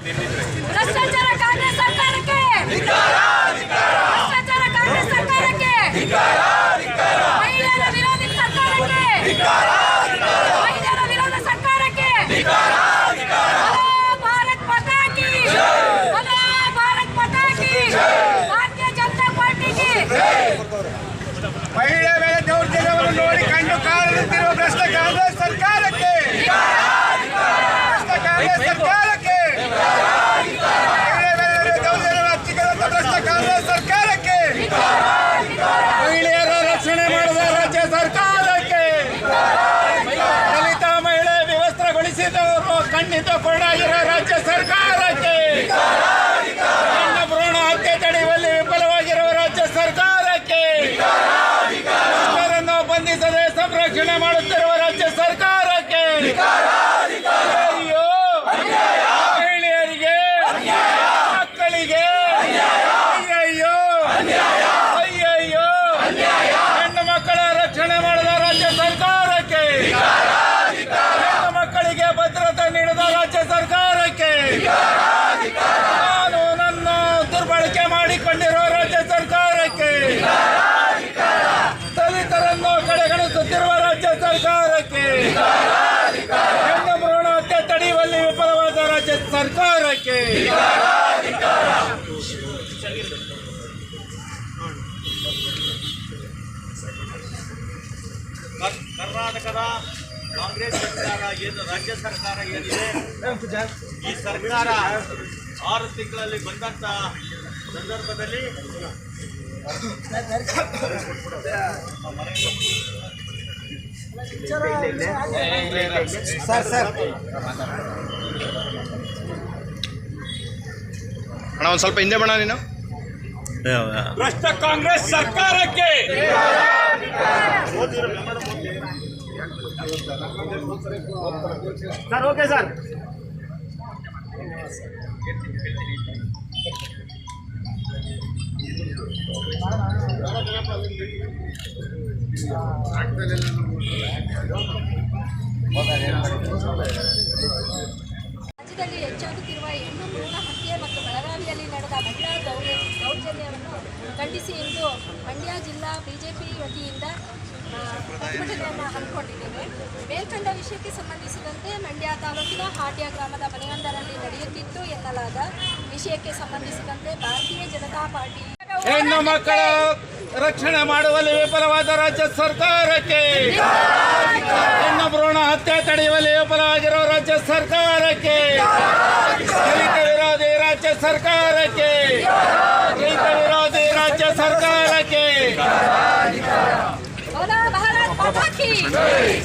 ಭ್ರಷ್ಟಾಚಾರ ಕಾಂಗ್ರೆಸ್ ಸರ್ಕಾರಕ್ಕೆ ಭ್ರಷ್ಟಾಚಾರ ಕಾಂಗ್ರೆಸ್ ಸರ್ಕಾರಕ್ಕೆ ಮಹಿಳೆಯರ ವಿರೋಧಿ ಸರ್ಕಾರಕ್ಕೆ ಮಹಿಳೆಯರ ವಿರೋಧ ಸರ್ಕಾರಕ್ಕೆ ಭಾರತ್ ಮಾತಾ ಕಿ ಭಾರತ್ ಮಾತಾ ಕಿ ಭಾರತೀಯ ಜನತಾ ಪಾರ್ಟಿಗೆ ಮಹಿಳೆಯ ಮೇಲೆ ದೌರ್ಜನ್ಯವನ್ನು ನೋಡಿ ಕಂಡು ಕಾಣುತ್ತಿರುವ ಭ್ರಷ್ಟ ಕಾಂಗ್ರೆಸ್ ಸರ್ಕಾರಕ್ಕೆ ಭ್ರಷ್ಟ ಕಾಂಗ್ರೆಸ್ ಸರ್ಕಾರಕ್ಕೆ ಮಹಿಳೆಯ ಮೇಲೆ ದೌರ್ಜನ್ಯ ಹಚ್ಚಿಕೊಳ್ಳುವಂತ ಭ್ರಷ್ಟ ಕಾಂಗ್ರೆಸ್ ಸರ್ಕಾರಕ್ಕೆ ಮಹಿಳೆಯರ ರಕ್ಷಣೆ ಮಾಡಿದ ರಾಜ್ಯ ಸರ್ಕಾರಕ್ಕೆ ದಲಿತ ಮಹಿಳೆ ವಿವಸ್ತ್ರಗೊಳಿಸಿದವರು ಖಂಡಿತ ಕೊಂಡಾಗಿರೋ ರಾಜ್ಯ ಸರ್ಕಾರಕ್ಕೆ ಹೆಣ್ಣು ಭ್ರೂಣ ಹತ್ಯೆ ತಡೆಯುವಲ್ಲಿ ವಿಫಲವಾಗಿರುವ ರಾಜ್ಯ ಸರ್ಕಾರಕ್ಕೆ ಮಕ್ಕಳನ್ನು ಬಂಧಿಸದೆ ಸಂರಕ್ಷಣೆ ಮಾಡುತ್ತಿರುವ ರಾಜ್ಯ ಸರ್ಕಾರಕ್ಕೆ ಅಯ್ಯೋ ಮಹಿಳೆಯರಿಗೆ ಮಕ್ಕಳಿಗೆ ಅಯ್ಯಯ್ಯೋ ಅಯ್ಯಯ್ಯೋ ಹೆಣ್ಣು ಮಕ್ಕಳ ರಕ್ಷಣೆ ಮಾಡಿದ ರಾಜ್ಯ ಸರ್ಕಾರಕ್ಕೆ ಹೆಣ್ಣು ಮಕ್ಕಳಿಗೆ ಭದ್ರತೆ ನೀಡಿದ ರಾಜ್ಯ ಸರ್ಕಾರಕ್ಕೆ ಕಾನೂನನ್ನು ದುರ್ಬಳಕೆ ಮಾಡಿಕೊಂಡಿರುವ ರಾಜ್ಯ ಸರ್ಕಾರಕ್ಕೆ ದಲಿತರನ್ನು ಕಡೆಗಣಿಸುತ್ತಿರುವ ರಾಜ್ಯ ಸರ್ಕಾರಕ್ಕೆ ಹೆಣ್ಣು ಭ್ರೂಣ ಹತ್ಯೆ ತಡೆಯುವಲ್ಲಿ ವಿಫಲವಾದ ರಾಜ್ಯ ಸರ್ಕಾರಕ್ಕೆ ಕರ್ನಾಟಕದ ಕಾಂಗ್ರೆಸ್ ಸರ್ಕಾರ ಏನು ರಾಜ್ಯ ಸರ್ಕಾರ ಏನಿದೆ ಈ ಸರ್ಕಾರ 6 ತಿಂಗಳಲ್ಲಿ ಬಂದಂತ ಸಂದರ್ಭದಲ್ಲಿ ಅಣ್ಣ ಒಂದು ಸ್ವಲ್ಪ ಹಿಂದೆ ಬಣ್ಣ ನೀನು ಭ್ರಷ್ಟ ಕಾಂಗ್ರೆಸ್ ಸರ್ಕಾರಕ್ಕೆ ಸರ್ ಓಕೆ ಸರ್ ರಾಜ್ಯದಲ್ಲಿ ಹೆಚ್ಚಾಗುತ್ತಿರುವ ಹೆಣ್ಣು ಭ್ರೂಣ ಹತ್ಯೆ ಮತ್ತು ಬೆಳಗಾವಿಯಲ್ಲಿ ನಡೆದ ಮಹಿಳಾ ದೌರ್ಜನ್ಯವನ್ನು ಖಂಡಿಸಿ ಇಂದು ಮಂಡ್ಯ ಜಿಲ್ಲಾ ಬಿಜೆಪಿ ವತಿಯಿಂದ ಪ್ರತಿಭಟನೆಯನ್ನು ಹಮ್ಮಿಕೊಂಡಿದ್ದೇವೆ. ಮೇಲ್ಕಂಡ ವಿಷಯಕ್ಕೆ ಸಂಬಂಧಿಸಿದಂತೆ ಮಂಡ್ಯ ತಾಲೂಕಿನ ಹಾಟ್ಯ ಗ್ರಾಮದ ಮನೆಯೊಂದರಲ್ಲಿ ನಡೆಯುತ್ತಿತ್ತು ಎನ್ನಲಾದ ವಿಷಯಕ್ಕೆ ಸಂಬಂಧಿಸಿದಂತೆ ಭಾರತೀಯ ಜನತಾ ಪಾರ್ಟಿ ಹೆಣ್ಣು ಮಕ್ಕಳ ರಕ್ಷಣೆ ಮಾಡುವಲ್ಲಿ ವಿಫಲವಾದ ರಾಜ್ಯ ಸರ್ಕಾರಕ್ಕೆ ಹೆಣ್ಣು ಭ್ರೂಣ ಹತ್ಯೆ ತಡೆಯುವಲ್ಲಿ ವಿಫಲವಾಗಿರುವ ರಾಜ್ಯ ಸರ್ಕಾರಕ್ಕೆ ದಲಿತ ವಿರೋಧಿ ರಾಜ್ಯ ಸರ್ಕಾರಕ್ಕೆ ದಲಿತ ವಿರೋಧಿ ರಾಜ್ಯ ಸರ್ಕಾರಕ್ಕೆ ಭಾರತ್ ಮಾತಾ ಕಿ